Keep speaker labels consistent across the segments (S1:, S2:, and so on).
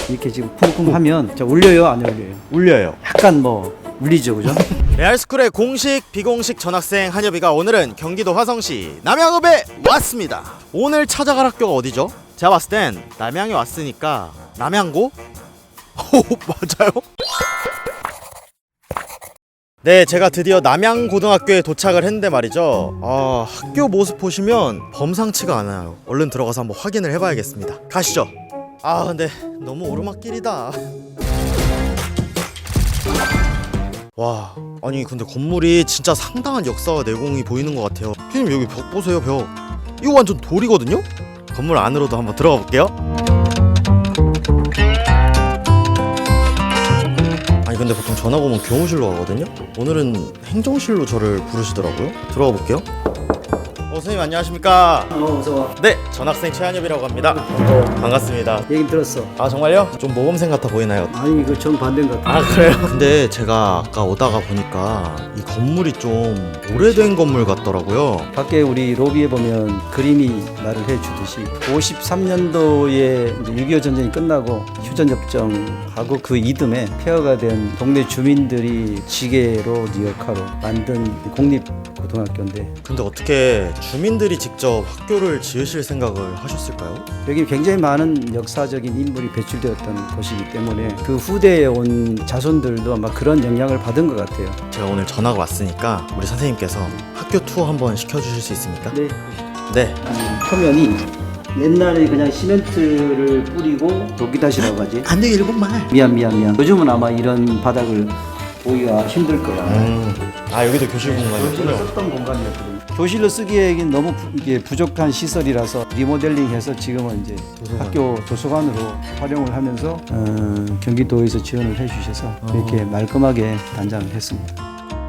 S1: 이렇게 지금 쿵쿵 하면 자, 울려요 안 울려요?
S2: 울려요.
S1: 약간 뭐 울리죠, 그죠?
S2: 레알스쿨의 공식, 비공식 전학생 한여비가 오늘은 경기도 화성시 남양읍에 왔습니다. 오늘 찾아갈 학교가 어디죠? 제가 봤을 땐 남양에 왔으니까 남양고? 오, 맞아요? 네, 제가 드디어 남양고등학교에 도착을 했는데 말이죠. 학교 모습 보시면 범상치가 않아요. 얼른 들어가서 한번 확인을 해봐야겠습니다. 가시죠. 근데 너무 오르막길이다. 와, 아니 근데 건물이 진짜 상당한 역사와 내공이 보이는 것 같아요. 피디님 여기 벽 보세요, 벽. 이거 완전 돌이거든요? 건물 안으로도 한번 들어가 볼게요. 아니 근데 보통 전학 오면 교무실로 가거든요? 오늘은 행정실로 저를 부르시더라고요. 들어가 볼게요. 선생님 안녕하십니까?
S1: 어서 와.
S2: 네, 전학생 최한엽이라고 합니다. 반갑습니다.
S1: 얘긴 들었어.
S2: 정말요? 좀 모범생 같아 보이나요?
S1: 아니 이거 정반대인 것 같아.
S2: 그래요? 근데 제가 아까 오다가 보니까 이 건물이 좀 오래된 건물 같더라고요.
S1: 밖에 우리 로비에 보면 그림이 말을 해주듯이 53년도에 6.25 전쟁이 끝나고 휴전협정하고 그 이듬해 폐허가 된 동네 주민들이 지게로 역할로 만든 공립고등학교인데
S2: 근데 어떻게 주민들이 직접 학교를 지으실 생각을 하셨을까요?
S1: 여기 굉장히 많은 역사적인 인물이 배출되었던 곳이기 때문에 그 후대에 온 자손들도 아마 그런 영향을 받은 것 같아요.
S2: 제가 오늘 전화가 왔으니까 우리 선생님께서 학교 투어 한번 시켜주실 수 있습니까?
S1: 네.
S2: 네.
S1: 표면이 옛날에 그냥 시멘트를 뿌리고 도끼다시라고 하지.
S2: 안 돼, 일곱만.
S1: 미안. 요즘은 아마 이런 바닥을 보기가 힘들 거야.
S2: 여기도 교실
S1: 교실로
S2: 공간이군요.
S1: 썼던 공간이었거든요. 교실로 쓰기에는 너무 이게 부족한 시설이라서 리모델링해서 지금은 이제
S2: 도서관.
S1: 학교 도서관으로 활용을 하면서 경기도에서 지원을 해주셔서 이렇게 말끔하게 단장을 했습니다.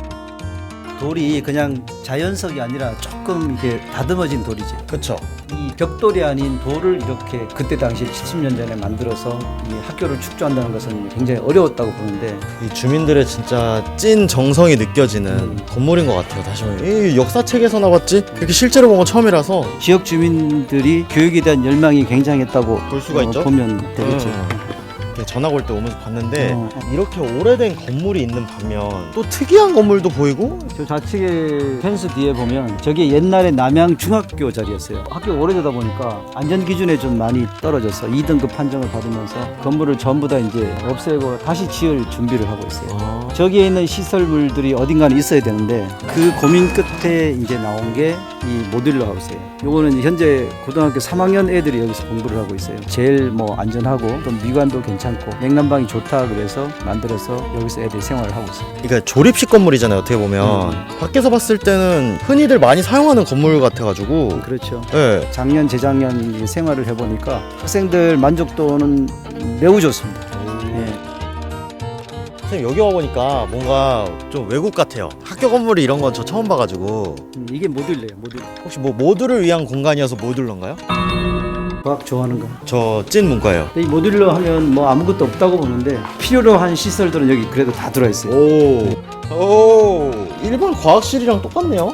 S1: 돌이 그냥 자연석이 아니라 조금 이게 다듬어진 돌이지.
S2: 그쵸.
S1: 이 벽돌이 아닌 돌을 이렇게 그때 당시에 70년 전에 만들어서 이 학교를 축조한다는 것은 굉장히 어려웠다고 보는데
S2: 이 주민들의 진짜 찐 정성이 느껴지는 건물인 것 같아요. 다시 말해, 이 역사책에서 나왔지? 이렇게 실제로 본 건 처음이라서
S1: 지역 주민들이 교육에 대한 열망이 굉장했다고
S2: 볼 수가 있죠.
S1: 보면 되겠죠.
S2: 이렇게 전학 올 때 오면서 봤는데
S1: 어.
S2: 이렇게 오래된 건물이 있는 반면 또 특이한 건물도 보이고.
S1: 저 좌측에 펜스 뒤에 보면 저게 옛날에 남양 중학교 자리였어요. 학교 오래되다 보니까 안전 기준에 좀 많이 떨어져서 2등급 판정을 받으면서 건물을 전부 다 이제 없애고 다시 지을 준비를 하고 있어요. 저기에 있는 시설물들이 어딘가는 있어야 되는데 그 고민 끝에 이제 나온 게 이 모듈러 하우스예요. 요거는 현재 고등학교 3학년 애들이 여기서 공부를 하고 있어요. 제일 뭐 안전하고 또 미관도 괜찮고 냉난방이 좋다 그래서 만들어서 여기서 애들이 생활을 하고 있어요.
S2: 그러니까 조립식 건물이잖아요. 어떻게 보면 밖에서 봤을 때는 흔히들 많이 사용하는 건물 같아가지고.
S1: 그렇죠.
S2: 네.
S1: 작년 재작년 이 생활을 해보니까 학생들 만족도는 매우 좋습니다. 예.
S2: 선생님 여기 와보니까 뭔가 좀 외국 같아요. 학교 건물이 이런 건 저 처음 봐가지고.
S1: 이게 모듈러예요. 모듈러.
S2: 혹시 뭐 모듈을 위한 공간이어서 모듈러인가요?
S1: 과학 좋아하는 거.
S2: 저 찐 문과예요.
S1: 이 모듈러 하면 뭐 아무것도 없다고 보는데 필요로 한 시설들은 여기 그래도 다 들어있어요.
S2: 오, 일반 과학실이랑 똑같네요.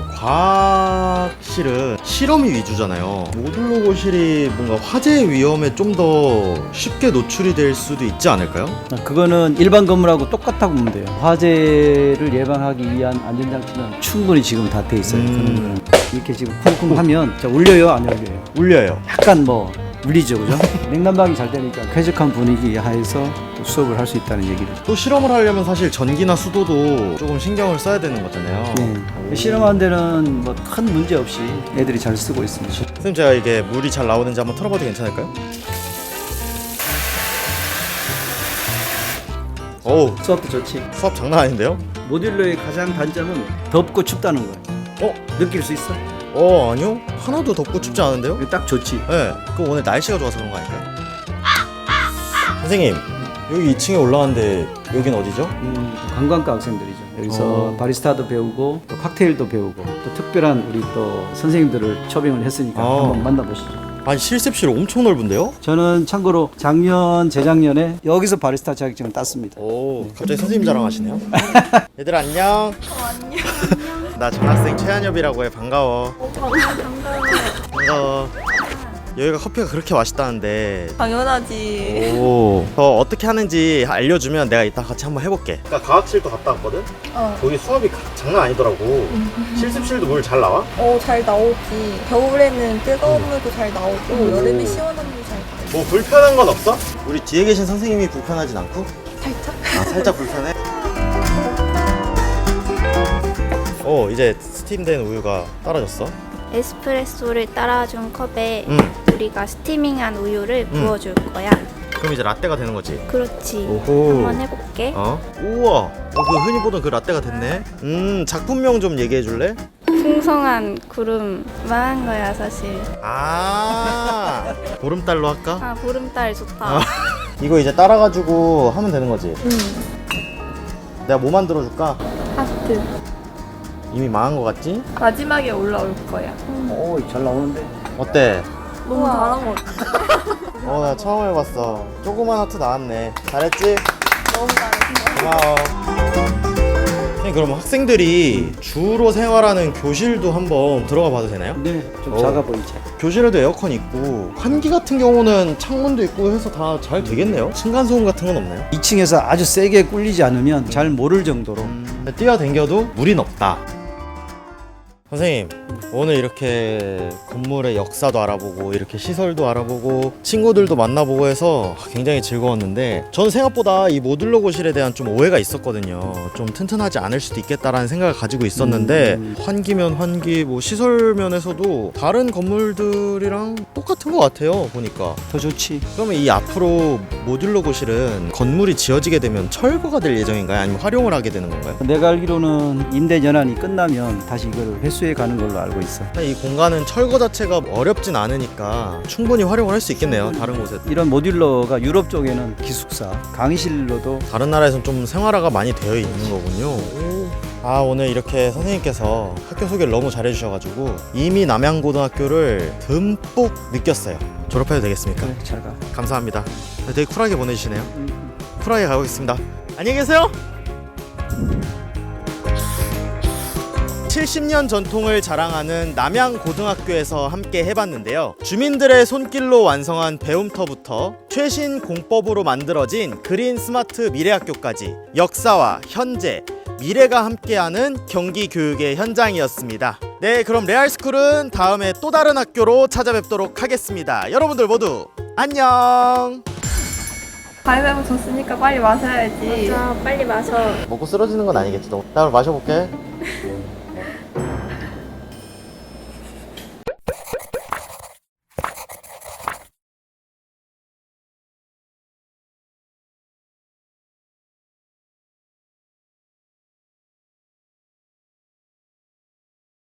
S2: 과학실은 실험이 위주잖아요. 모듈러고실이 뭔가 화재 위험에 좀 더 쉽게 노출이 될 수도 있지 않을까요?
S1: 그거는 일반 건물하고 똑같다고 보면 돼요. 화재를 예방하기 위한 안전장치는 충분히 지금 다 돼 있어요. 이렇게 지금 쿵쿵 하면 자, 울려요 안 울려요?
S2: 울려요.
S1: 약간 뭐 울리죠, 그죠? 냉난방이 잘 되니까 쾌적한 분위기 하에서 또 수업을 할 수 있다는 얘기를.
S2: 또 실험을 하려면 사실 전기나 수도도 조금 신경을 써야 되는 거잖아요.
S1: 네. 실험하는 데는 뭐 큰 문제 없이 애들이 잘 쓰고 있습니다.
S2: 선생님 제가 이게 물이 잘 나오는지 한번 털어봐도 괜찮을까요? 어우,
S1: 수업도 좋지.
S2: 수업 장난 아닌데요?
S1: 모듈러의 가장 단점은 덥고 춥다는 거예요. 느낄 수 있어?
S2: 아니요. 하나도 덥고 춥지 않은데요?
S1: 이거 딱 좋지.
S2: 네. 그 오늘 날씨가 좋아서 그런 거 아닐까요? 선생님, 여기 2층에 올라왔는데 여긴 어디죠?
S1: 관광과 학생들이죠. 여기서 바리스타도 배우고 또 칵테일도 배우고 또 특별한 우리 또 선생님들을 초빙을 했으니까 한번 만나보시죠.
S2: 아니 실습실 엄청 넓은데요?
S1: 저는 참고로 작년, 재작년에 여기서 바리스타 자격증을 땄습니다.
S2: 오, 갑자기 선생님 자랑하시네요. 얘들 안녕.
S3: 안녕.
S2: 나 전학생 최한엽이라고 해. 반가워.
S3: 반가워.
S2: 반가워. 여기가 커피가 그렇게 맛있다는데.
S3: 당연하지.
S2: 오. 어떻게 하는지 알려주면 내가 이따 같이 한번 해볼게. 나 과학실도 갔다 왔거든? 거기 수업이 장난 아니더라고. 실습실도 물 잘 나와?
S3: 잘 나오지. 겨울에는 뜨거운 물도 잘 나오고 여름에 시원한 물도 잘 나오고.
S2: 뭐 불편한 건 없어? 우리 뒤에 계신 선생님이 불편하진 않고?
S3: 살짝?
S2: 아, 살짝 불편해? 이제 스팀된 우유가 떨어졌어.
S4: 에스프레소를 따라준 컵에 우리가 스티밍한 우유를 부어줄 거야.
S2: 그럼 이제 라떼가 되는 거지?
S4: 그렇지.
S2: 오호.
S4: 한번 해볼게.
S2: 우와. 그 흔히 보던 그 라떼가 됐네. 작품명 좀 얘기해 줄래?
S4: 풍성한 구름 망한 거야 사실.
S2: 아, 보름달로 할까?
S4: 아 보름달 좋다.
S2: 이거 이제 따라가지고 하면 되는 거지? 내가 뭐 만들어 줄까?
S3: 하트.
S2: 이미 망한 거 같지?
S3: 마지막에 올라올 거야.
S1: 잘 나오는데.
S2: 어때?
S3: 너무 잘한 것 같아.
S2: 나 처음 해봤어. 조그만 하트 나왔네. 잘했지?
S3: 너무 잘했어.
S2: 고마워. 선생님, 그럼 학생들이 주로 생활하는 교실도 한번 들어가 봐도 되나요?
S1: 네, 좀 작아 보이지.
S2: 교실에도 에어컨 있고 환기 같은 경우는 창문도 있고 해서 다 잘 되겠네요. 층간소음 같은 건 없나요?
S1: 2층에서 아주 세게 꿀리지 않으면 잘 모를 정도로.
S2: 뛰어댕겨도 무리는 없다. 선생님, 오늘 이렇게 건물의 역사도 알아보고 이렇게 시설도 알아보고 친구들도 만나보고 해서 굉장히 즐거웠는데, 저는 생각보다 이 모듈러 고실에 대한 좀 오해가 있었거든요. 좀 튼튼하지 않을 수도 있겠다라는 생각을 가지고 있었는데 환기면 환기, 뭐 시설 면에서도 다른 건물들이랑 똑같은 것 같아요, 보니까.
S1: 더 좋지.
S2: 그러면 이 앞으로 모듈러 고실은 건물이 지어지게 되면 철거가 될 예정인가요? 아니면 활용을 하게 되는 건가요?
S1: 내가 알기로는 임대 연한이 끝나면 다시 이걸 회수해 가는 걸로 알고 있어.
S2: 이 공간은 철거 자체가 어렵진 않으니까 충분히 활용을 할 수 있겠네요. 다른 곳에.
S1: 이런 모듈러가 유럽 쪽에는 기숙사, 강의실로도.
S2: 다른 나라에서는 좀 생활화가 많이 되어 있는 거군요. 오늘 이렇게 선생님께서 학교 소개를 너무 잘해주셔가지고 이미 남양고등학교를 듬뿍 느꼈어요. 졸업해도 되겠습니까?
S1: 그래, 잘 가.
S2: 감사합니다. 되게 쿨하게 보내주시네요. 쿨하게 가보겠습니다. 안녕히 계세요. 70년 전통을 자랑하는 남양고등학교에서 함께 해봤는데요. 주민들의 손길로 완성한 배움터부터 최신 공법으로 만들어진 그린 스마트 미래학교까지 역사와 현재, 미래가 함께하는 경기 교육의 현장이었습니다. 네, 그럼 레알스쿨은 다음에 또 다른 학교로 찾아뵙도록 하겠습니다. 여러분들 모두 안녕.
S3: 가위바위보 졌으니까 빨리 마셔야지.
S4: 자 빨리 마셔.
S2: 먹고 쓰러지는 건 아니겠지? 나 오늘 마셔볼게.